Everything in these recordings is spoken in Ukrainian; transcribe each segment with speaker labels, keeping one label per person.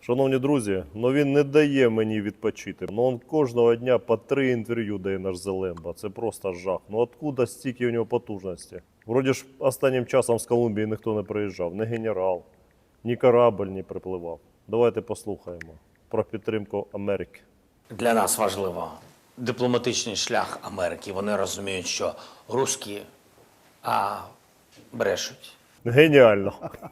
Speaker 1: Шановні друзі, він не дає мені відпочити. Він кожного дня по 3 інтерв'ю дає наш Зелемба. Це просто жах. Откуда стільки у нього потужності? Вроді ж останнім часом з Колумбії ніхто не приїжджав. Ні генерал, ні корабль не припливав. Давайте послухаємо про підтримку Америки.
Speaker 2: Для нас важливо дипломатичний шлях Америки. Вони розуміють, що русські брешуть.
Speaker 1: Геніально.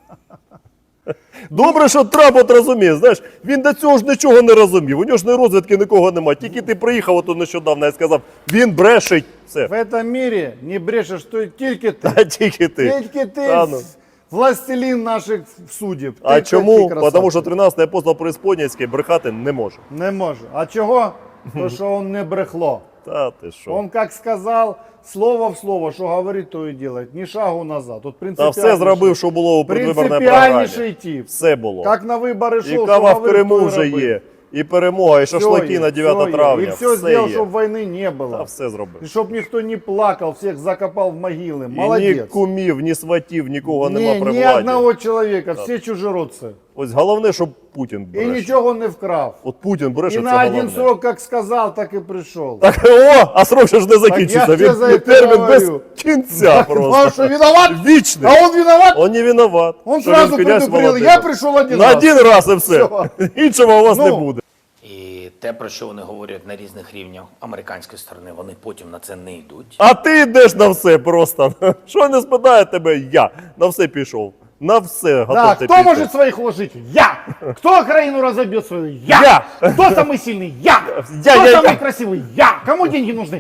Speaker 1: Добре, що Трамп от розуміє, знаєш, він до цього ж нічого не розумів, у нього ж не розвідки нікого немає, тільки ти приїхав ото нещодавно і сказав, він брешить, все.
Speaker 3: В этом мире не брешешь, что тільки ти.
Speaker 1: А тільки ти.
Speaker 3: Тільки ти,
Speaker 1: Та ну.
Speaker 3: властелин наших судеб.
Speaker 1: А
Speaker 3: Ти
Speaker 1: чому?
Speaker 3: красавчик.
Speaker 1: Тому що 13-й апостол Преисподнєйський брехати не може.
Speaker 3: Не може. А чого? То, що він не брехло.
Speaker 1: Та ти що?
Speaker 3: Он как сказал, слово в слово, що говорить, то і делает. Ні шагу назад. От
Speaker 1: Та все зробив, що було у предвиборній програмі.
Speaker 3: принципіальніший тип.
Speaker 1: Все було.
Speaker 3: Як на вибори йшов,
Speaker 1: І
Speaker 3: що
Speaker 1: кава в
Speaker 3: говорив,
Speaker 1: Криму
Speaker 3: то і
Speaker 1: вже
Speaker 3: робив.
Speaker 1: є, і перемога, і шашлики
Speaker 3: Все
Speaker 1: на 9 травня.
Speaker 3: І все зробив,
Speaker 1: є.
Speaker 3: щоб війни не було.
Speaker 1: Та все зробив.
Speaker 3: І щоб ніхто не плакав, всіх закопав в могили.
Speaker 1: І ні
Speaker 3: Молодець.
Speaker 1: кумів, ні сватів, нікого нема при
Speaker 3: Ні
Speaker 1: владі.
Speaker 3: одного чоловіка, всі чужородці.
Speaker 1: Ось головне, щоб Путін
Speaker 3: І
Speaker 1: бреше.
Speaker 3: нічого не вкрав.
Speaker 1: От Путін бреше,
Speaker 3: І
Speaker 1: це
Speaker 3: на
Speaker 1: головне.
Speaker 3: один срок, як сказав, так і прийшов.
Speaker 1: Так, а срок ще ж не закінчиться.
Speaker 3: я тебе за
Speaker 1: Він
Speaker 3: це
Speaker 1: термін без
Speaker 3: говорю.
Speaker 1: кінця
Speaker 3: А
Speaker 1: просто.
Speaker 3: що, виноват?
Speaker 1: Вічний.
Speaker 3: А он виноват?
Speaker 1: Он не виноват.
Speaker 3: Он
Speaker 1: що
Speaker 3: сразу
Speaker 1: він князь
Speaker 3: предупредил,
Speaker 1: Володимир.
Speaker 3: я пришел один
Speaker 1: На
Speaker 3: раз.
Speaker 1: один раз і все.
Speaker 3: Все.
Speaker 1: Іншого у вас не
Speaker 3: Ну.
Speaker 1: буде.
Speaker 2: І те, про що вони говорять на різних рівнях американської сторони, вони потім на це не йдуть.
Speaker 1: А ти йдеш на все просто. Що не спитає тебе, я на все пішов. На все готов
Speaker 3: Да,
Speaker 1: ти
Speaker 3: кто
Speaker 1: піти.
Speaker 3: может своих уложить? Я! Кто Украину разобьет свою? Я! Кто самый сильный? Я! Кто
Speaker 1: я.
Speaker 3: самый красивый? Я! Кому деньги нужны?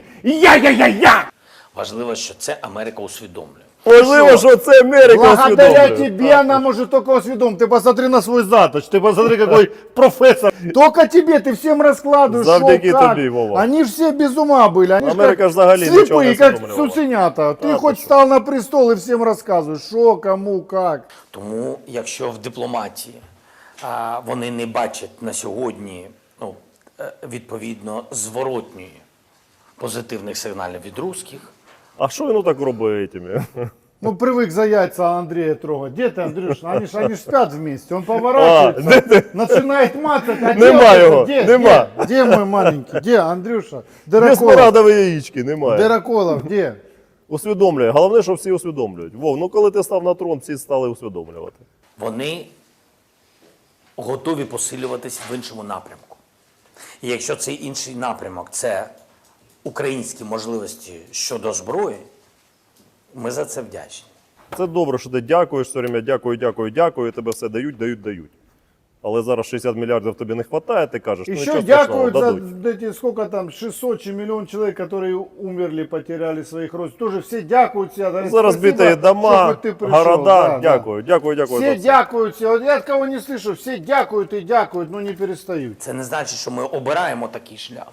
Speaker 3: Я!
Speaker 2: Важливо, що це Америка усвідомлює.
Speaker 1: Можливо, що це Америка
Speaker 3: Благодаря
Speaker 1: усвідомлює.
Speaker 3: тебе она может только усведомить. Ты посмотри на свой заточ, ты посмотри, какой профессор. Только тебе, ты всем раскладываешь,
Speaker 1: Завдяки
Speaker 3: шо, как.
Speaker 1: тобі, Вова.
Speaker 3: Они ж все без ума были. Они ж
Speaker 1: Америка
Speaker 3: как
Speaker 1: взагалі нічого не
Speaker 3: слепые, как
Speaker 1: усвідомлювала.
Speaker 3: цуценята. Ты
Speaker 1: Да,
Speaker 3: хоть
Speaker 1: ты
Speaker 3: встал на престол и всем рассказываешь, что, кому, как.
Speaker 2: Тому, якщо в дипломатії вони не бачать на сьогодні відповідно зворотньої позитивних сигналів від русських,
Speaker 1: А що він так робить этими?
Speaker 3: Ну, привык за яйца Андрея трогать. Где ты, Андрюш? Они ж спят вместе. Он поворачивается, начинает мацать. А
Speaker 1: Нема
Speaker 3: где
Speaker 1: его,
Speaker 3: он? Где?
Speaker 1: нема.
Speaker 3: Где мой маленький? Где, Андрюша?
Speaker 1: Без
Speaker 3: Дыроколов.
Speaker 1: порадові яєчки немає.
Speaker 3: Дыроколов, где?
Speaker 1: Усвідомлює. Головне, що всі усвідомлюють. Вов, коли ти став на трон, всі стали усвідомлювати.
Speaker 2: вони готові посилюватись в іншому напрямку. І якщо цей інший напрямок – це українські можливості щодо зброї, ми за це вдячні.
Speaker 1: Це добре, що ти дякуєш все время, дякую, тебе все дають. Але зараз 60 мільярдів тобі не вистачає, ти кажеш,
Speaker 3: Еще
Speaker 1: нічого страшного,
Speaker 3: дякуют за
Speaker 1: дадуть.
Speaker 3: эти, сколько там, 600 чи миллион человек, которые умерли, потеряли своих родственников. Тоже все дякуют все. говорят,
Speaker 1: Зараз
Speaker 3: спасибо,
Speaker 1: битые дома,
Speaker 3: что хоть ты пришел.
Speaker 1: города,
Speaker 3: Да,
Speaker 1: дякую.
Speaker 3: Все
Speaker 1: за все.
Speaker 3: дякуют, все. Вот я от кого не слышу, все дякуют и дякуют, но не перестают.
Speaker 2: Це не значить, що ми обираємо такий шлях.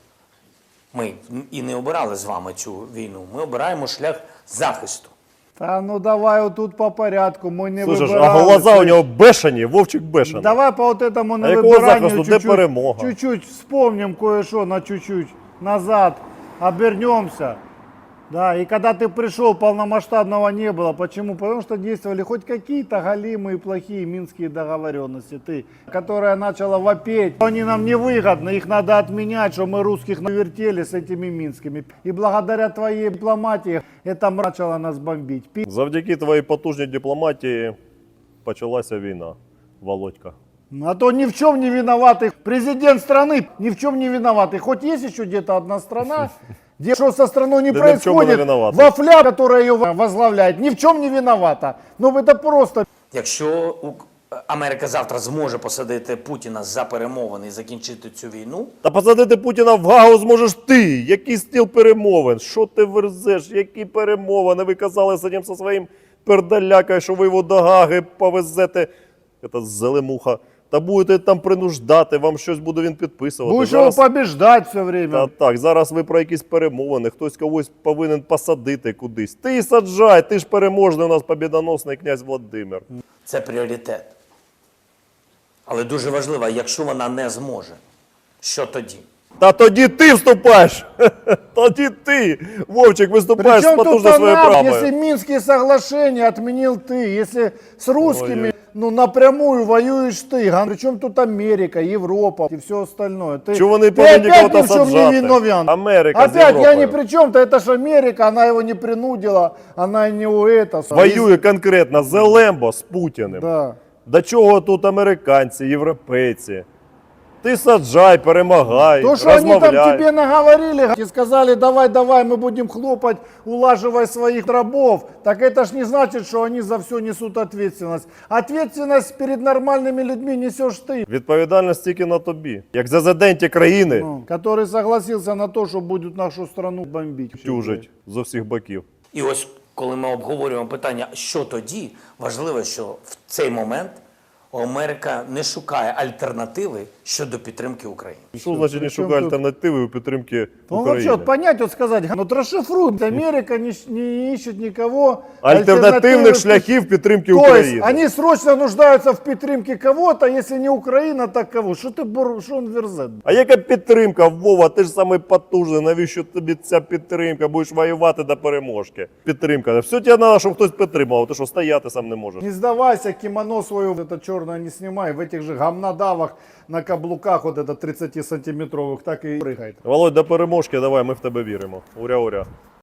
Speaker 2: Ми і не обирали з вами цю війну. Ми обираємо шлях захисту.
Speaker 3: Да ну давай вот тут по порядку, мы не
Speaker 1: Слушай,
Speaker 3: выбирали.
Speaker 1: а глаза у нього бешені, Вовчик бешений.
Speaker 3: Давай по вот этому на
Speaker 1: якого
Speaker 3: выбиранию
Speaker 1: захисту? Де перемога?
Speaker 3: чуть-чуть вспомним кое-что на чуть-чуть назад, обернемся. Да, и когда ты пришел, полномасштабного не было. Почему? Потому что действовали хоть какие-то галимые плохие минские договоренности, которая начала вопеть. Они нам невыгодны, их надо отменять, что мы русских навертели с этими минскими. И благодаря твоей дипломатии это начало нас бомбить.
Speaker 1: Завдяки твоїй потужній дипломатії почалася війна, Володька.
Speaker 3: А то ни в чем не виноватый президент страны, ни в чем не виноватый. Хоть есть еще где-то одна страна, где что со страной не
Speaker 1: Да ни в чем не
Speaker 3: происходит,
Speaker 1: виновата.
Speaker 3: вафля, которая ее возглавляет, ни в чем не виновата. Ну это просто.
Speaker 2: Якщо Америка завтра зможе посадити Путіна за перемовини і закінчити цю війну,
Speaker 1: Та посадити Путіна в Гаагу зможеш ти. Який стіл перемовин? Що ти верзеш? Які перемовини? Ви казали сидім зі своїм пердалякою, що ви його до Гааги повезете. Це зелемуха. Та будете там принуждати, вам щось буде він підписувати.
Speaker 3: Будешь его побеждать все время.
Speaker 1: Та так, зараз ви про якісь перемовини, хтось когось повинен посадити кудись. Ти саджай, ти ж переможний у нас побідоносний князь Володимир.
Speaker 2: це пріоритет. Але дуже важливо, якщо вона не зможе, що тоді?
Speaker 1: Та тоді ти вступаєш. Тоді ти, Вовчик, виступаєш з
Speaker 3: Причем тут
Speaker 1: потужно своєю
Speaker 3: она,
Speaker 1: правою.
Speaker 3: если Минские соглашения отменил ты, если с русскими ну, напрямую воюешь ты. Причем тут Америка, Европа и все остальное.
Speaker 1: Чего вони
Speaker 3: ты
Speaker 1: повинні
Speaker 3: опять
Speaker 1: кого-то
Speaker 3: ни в чем не
Speaker 1: саджати?
Speaker 3: виновен.
Speaker 1: Америка з
Speaker 3: Опять я
Speaker 1: Європою.
Speaker 3: ни при чем-то, это ж Америка, она его не принудила, она не у это.
Speaker 1: Воює конкретно Зелембо з Путіним.
Speaker 3: Да.
Speaker 1: До чого тут американці, європейці? Ти саджай, перемагай,
Speaker 3: То, что они
Speaker 1: розмовляй.
Speaker 3: там тебе наговорили и сказали, давай, мы будем хлопать, улаживай своих рабов, так это ж не значит, что они за все несут ответственность. Ответственность перед нормальными людьми несешь ты,
Speaker 1: Відповідальність тільки на тобі. Як зазиденті країни
Speaker 3: ну, который согласился на то, что будут нашу страну бомбить.
Speaker 1: тюжить з усіх боків.
Speaker 2: І ось коли ми обговорюємо питання, що тоді, важливо, що в цей момент Америка не шукає альтернативи щодо підтримки України.
Speaker 1: Що значить не
Speaker 3: при чому
Speaker 1: шукає
Speaker 3: тут?
Speaker 1: альтернативи у підтримки
Speaker 3: Ну вообще,
Speaker 1: України?
Speaker 3: вот понять, вот сказать, ну расшифруй, Америка не ищет никого.
Speaker 1: Альтернативних
Speaker 3: альтернативы-
Speaker 1: шляхів підтримки
Speaker 3: То есть
Speaker 1: України.
Speaker 3: они срочно нуждаются в підтримке кого-то, если не Украина, так кого? Что что он верзет?
Speaker 1: А яка підтримка, Вова? Ти ж самий потужний. Навіщо тобі ця підтримка? Будеш воювати до переможки. Підтримка. Все тебе треба, щоб хтось підтримав. Ти що, стояти сам не можеш?
Speaker 3: Не сдавайся, кимоно свое это черное не снимай, в этих же гамнадавах на каблуках вот это 30 сантиметровых так и прыгает.
Speaker 1: Володь, до переможки давай, ми в тебе віримо. Уря-уря.